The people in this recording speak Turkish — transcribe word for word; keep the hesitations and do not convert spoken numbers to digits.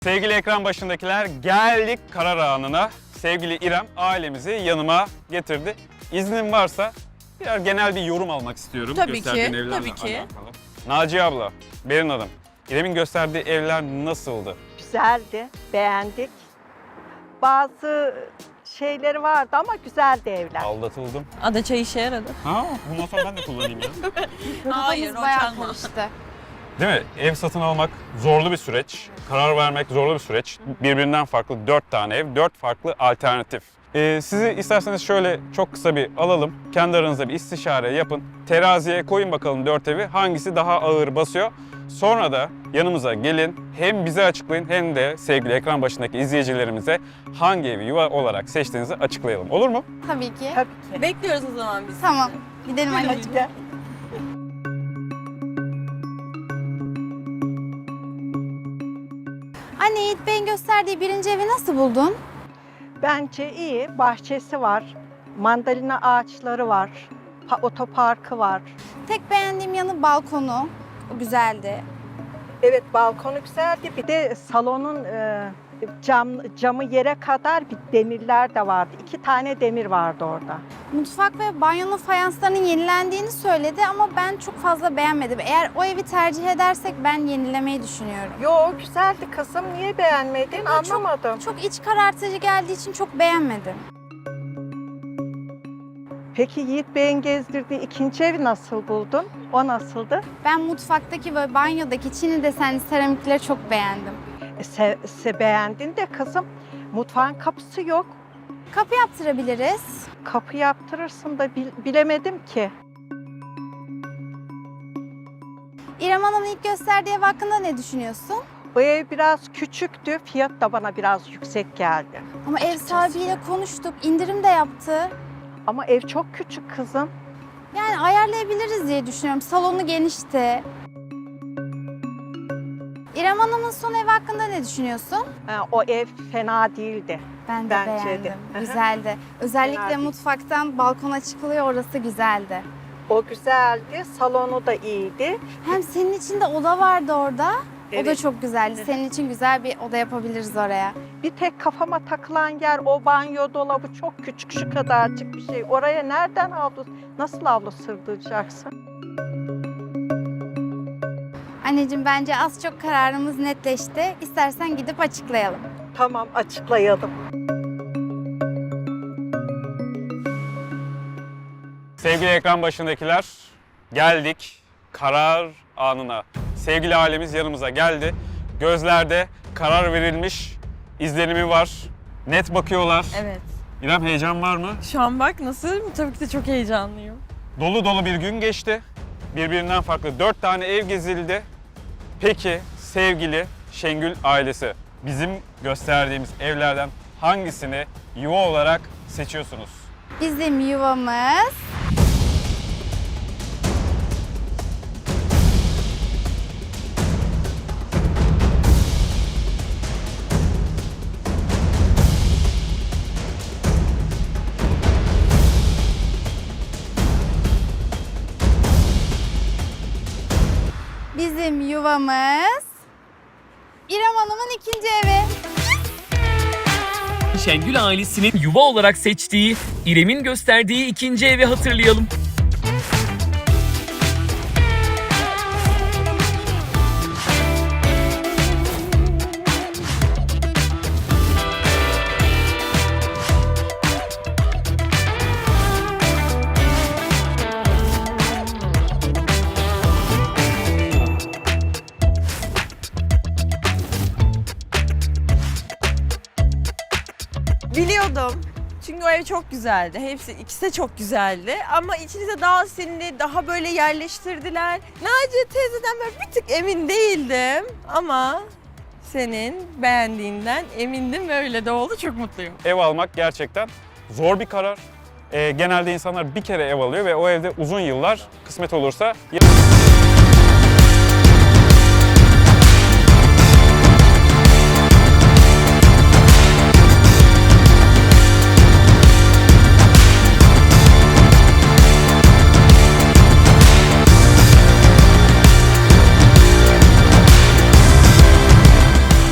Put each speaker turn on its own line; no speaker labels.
Sevgili ekran başındakiler, geldik karar anına. Sevgili İrem ailemizi yanıma getirdi. İznin varsa birer genel bir yorum almak istiyorum.
Tabii
gösterdiğin
ki,
evlerle
tabii ki.
alakalı. Naciye abla, Berin Hanım, İrem'in gösterdiği evler nasıldı?
Güzeldi, beğendik. Bazı şeyleri vardı ama güzeldi evler.
Aldatıldım.
Ada çay işe yaradı.
Ha, bundan sonra ben de kullanayım ya.
Hayır, o
bayağı
çalma.
karıştı.
Değil mi? Ev satın almak zorlu bir süreç. Karar vermek zorlu bir süreç. Birbirinden farklı dört tane ev, dört farklı alternatif. Ee, sizi isterseniz şöyle çok kısa bir alalım. Kendi aranızda bir istişare yapın. Teraziye koyun bakalım dört evi. Hangisi daha ağır basıyor? Sonra da yanımıza gelin. Hem bize açıklayın hem de sevgili ekran başındaki izleyicilerimize hangi evi yuva olarak seçtiğinizi açıklayalım. Olur mu?
Tabii ki.
Tabii ki.
Bekliyoruz o zaman biz.
Tamam. Gidelim anneciğim.
Gel.
Anne, Yiğit Bey'in gösterdiği birinci evi nasıl buldun?
Bence iyi. Bahçesi var. Mandalina ağaçları var. Pa- otoparkı var.
Tek beğendiğim yanı balkonu. O güzeldi.
Evet, balkonu güzeldi. Bir de salonun e, cam camı yere kadar bir demirler de vardı. İki tane demir vardı orada.
Mutfak ve banyonun fayanslarının yenilendiğini söyledi ama ben çok fazla beğenmedim. Eğer o evi tercih edersek ben yenilemeyi düşünüyorum.
Yo, güzeldi kızım. Niye beğenmedin?
Ama çok-
Anlamadım.
Çok iç karartıcı geldiği için çok beğenmedim.
Peki Yiğit Bey'in gezdirdiği ikinci evi nasıl buldun? O nasıldı?
Ben mutfaktaki ve banyodaki çini desenli seramikleri çok beğendim.
E, se, se beğendin de kızım. Mutfağın kapısı yok.
Kapı yaptırabiliriz.
Kapı yaptırırsın da bil- bilemedim ki.
İrem Hanım'ın ilk gösterdiği ev hakkında ne düşünüyorsun?
Bu ev biraz küçüktü. Fiyat da bana biraz yüksek geldi.
Ama ev sahibiyle konuştuk, indirim de yaptı.
Ama ev çok küçük kızım.
Yani ayarlayabiliriz diye düşünüyorum. Salonu genişti. İrem Hanım'ın son evi hakkında ne düşünüyorsun?
Ha, o ev fena değildi.
Ben de
Bence de.
beğendim.
Hı hı.
Güzeldi. Özellikle
Fena değil.
mutfaktan balkona çıkılıyor, orası güzeldi.
O güzeldi. Salonu da iyiydi.
Hem senin için de oda vardı orada. O da
Evet.
çok güzeldi. Senin için güzel bir oda yapabiliriz oraya.
Bir tek kafama takılan yer o banyo dolabı çok küçük, şu kadarcık bir şey. Oraya nereden havlu, nasıl havlu sığdıracaksın?
Anneciğim, bence az çok kararımız netleşti. İstersen gidip açıklayalım.
Tamam, açıklayalım.
Sevgili ekran başındakiler, geldik karar anına. Sevgili ailemiz yanımıza geldi. Gözlerde karar verilmiş izlenimi var. Net bakıyorlar.
Evet.
İrem, heyecan var mı?
Şu an bak nasıl? Tabii ki de çok heyecanlıyım.
Dolu dolu bir gün geçti. Birbirinden farklı dört tane ev gezildi. Peki sevgili Şengül ailesi, bizim gösterdiğimiz evlerden hangisini yuva olarak seçiyorsunuz?
Bizim yuvamız... Bizim yuvamız... İrem Hanım'ın ikinci evi.
Şengül ailesinin yuva olarak seçtiği, İrem'in gösterdiği ikinci evi hatırlayalım.
Biliyordum. Çünkü o ev çok güzeldi. Hepsi, ikisi de çok güzeldi. Ama içinize daha sinirli, daha böyle yerleştirdiler. Naciye teyzeden ben bir tık emin değildim. Ama senin beğendiğinden emindim ve öyle de oldu. Çok mutluyum.
Ev almak gerçekten zor bir karar. Ee, genelde insanlar bir kere ev alıyor ve o evde uzun yıllar kısmet olursa